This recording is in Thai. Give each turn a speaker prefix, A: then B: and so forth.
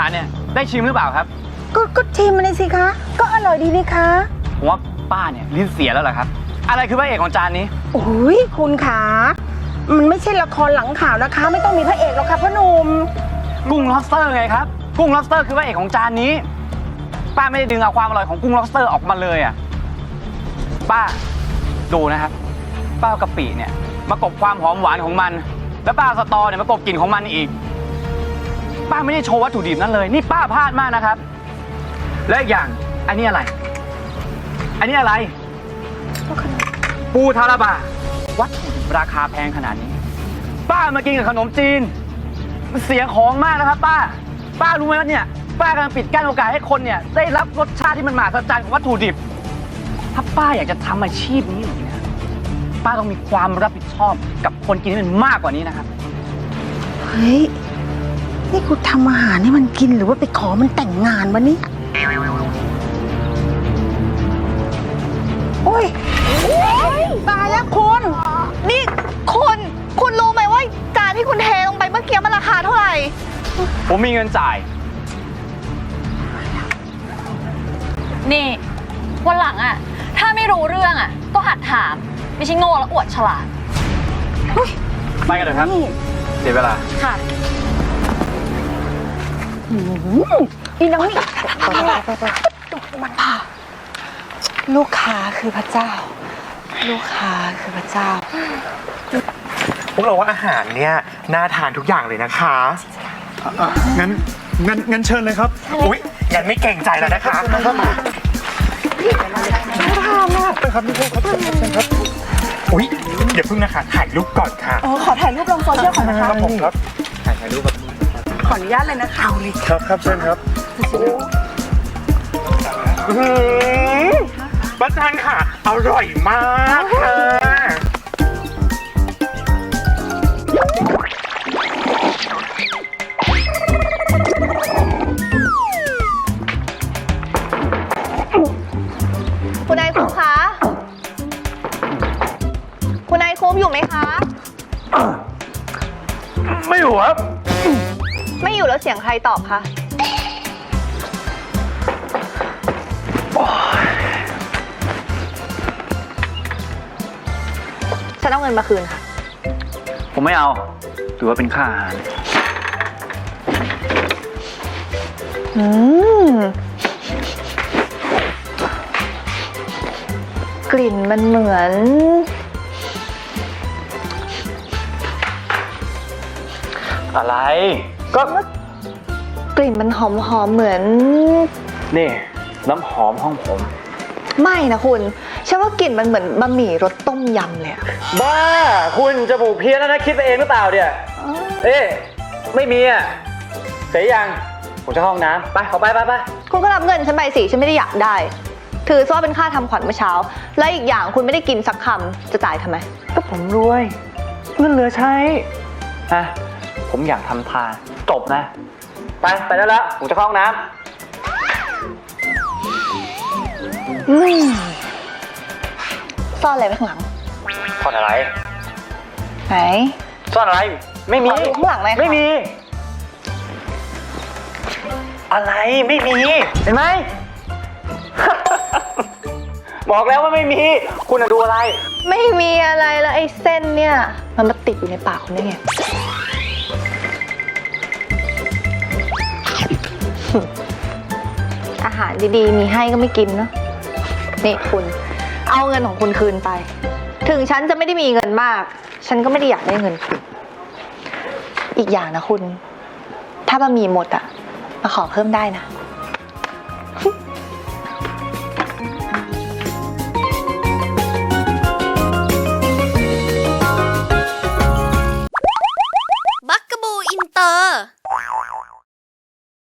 A: ารเนี่ยได้ชิมหรือเปล่าครับ
B: ก็ชิมมันเลยสิคะก็อร่อยดีนี่คะ
A: ผมว่าป้าเนี่ยลิ้นเสียแล้วเหรอครับอะไรคือพระเอกของจานนี้
B: โอ้ยคุณขามันไม่ใช่ละครหลังข่าวนะคะไม่ต้องมีพระเอกหรอกค่ะพ่อหนุ่ม
A: กุ้ง lobster ไงครับกุ้ง lobster คือพระเอกของจานนี้ป้าไม่ได้ดึงเอาความอร่อยของกุ้ง lobster ออกมาเลยอ่ะป้าดูนะครับป้ากะปิเนี่ยมากบความหอมหวานของมันแล้วป้าสตอเนี่ยมากบกลิ่นของมันอีกป้าไม่ได้โชว์วัตถุดิบนั้นเลยนี่ป้าพลาดมากนะครับและอีกอย่างอันนี้อะไรปูทาราบะวัตถุดิบราคาแพงขนาดนี้ป้ามากินกับขนมจีนมันเสียของมากนะครับป้ารู้ไหมว่าเนี่ยป้ากำลังปิดกั้นโอกาสให้คนเนี่ยได้รับรสชาติที่มันมหัศจรรย์ของวัตถุดิบถ้าป้าอยากจะทำอาชีพนี้อยู่เนี่ยป้าต้องมีความรับผิดชอบกับคนกินให้มันมากกว่านี้นะครับ
B: เฮ้ยนี่กูทำอาหารให้มันกินหรือว่าไปขอมันแต่งงานวะนี่โอ้ยตายแล้วคุณ
C: นี่คุณรู้ไหมว่าจานที่คุณเทลงไปเมื่อกี้มันราคาเท่าไหร่
A: ผมมีเงินจ่าย
D: นี่วันหลังอ่ะถ้าไม่รู้เรื่องอ่ะก็หัดถามไม่ใช่โง่แล้วอวดฉลาด
A: ไปกันเลยครับเสียเวลา
D: ค่ะ
B: อีน้องนี่
C: มันพาลูกค้าคือพระเจ้าลูกค้าคือพระเจ้า
E: พวกเราว่าอาหารเนี่ยน่าทานทุกอย่างเลยนะคะ
F: งั้นเชิญเลยครับ
E: อุ๊ยงั้นไม่เกรงใจแล้วนะคะ
F: น่าทานมากครับนี่ครับเชิญครับ
E: อุ๊ยเดี๋ยวพึ่งนะคะถ่ายรูปก่อนค่ะ
C: ขอถ่ายรูปลงโซเชียลก่อนนะคะ
F: ครับผมครับ
A: ถ่ายรูปแบบ
C: ขออนุญาตเลยนะคะ
F: ครับเชิญครับ
E: ป้าจันค่ะอร่อยมากค่ะ
C: คุณนายคุ้มคะคุณนายคุ้มอยู่ไหมคะ
A: ไม่อยู่ครับ
C: ไม่อยู่แล้วเสียงใครตอบคะฉันเอาเงินมาคืนค่ะ
A: ผมไม่เอาถือว่าเป็นค่าอาหาร
C: กลิ่นมันเหมือน
A: อะไรก็
C: กลิ่นมันหอมเหมือน
A: นี่น้ำหอมห้องผม
C: ไม่นะคุณฉันว่ากลิ่นมันเหมือนบะหมี่รสต้มยำเลยอะ
A: บ้าคุณจมูกเพี้ยนแล้วนะคิดไปเองหรือเปล่าเนี่ยไม่มีอ่ะเสียยังผมจะเข้าห้องน้ำไปขอไป
C: คุณก็รับเงินฉันไปสิฉันไม่ได้อยากได้ถือซะว่าเป็นค่าทำขวัญเมื่อเช้าและอีกอย่างคุณไม่ได้กินสักคำจะจ่ายทำไม
A: ก็ผมรวยเงินเหลือใช้ผมอยากทำทานจบนะไปได้แล้วผมจะเข้าห้องน้ำ
C: ซ่อนอะไรไว้ข้างหลัง
A: ซ่อนอะไร
C: ไหน
A: ซ่อนอะไรไม่มี
C: ข้างหลังไหม
A: ไม่มีอะไรไม่มีเห็นไหม บอกแล้วว่าไม่มีคุณดูอะไร
C: ไม่มีอะไรแล้วไอ้เส้นเนี่ยมันมาติดอยู่ในปากคุณได้ไงอาหารดีๆมีให้ก็ไม่กินเนาะนี่คุณเอาเงินของคุณคืนไปถึงฉันจะไม่ได้มีเงินมากฉันก็ไม่ได้อยากได้เงินคืนอีกอย่างนะคุณถ้าบะหมี่หมดอ่ะมาขอเพิ่มได้นะ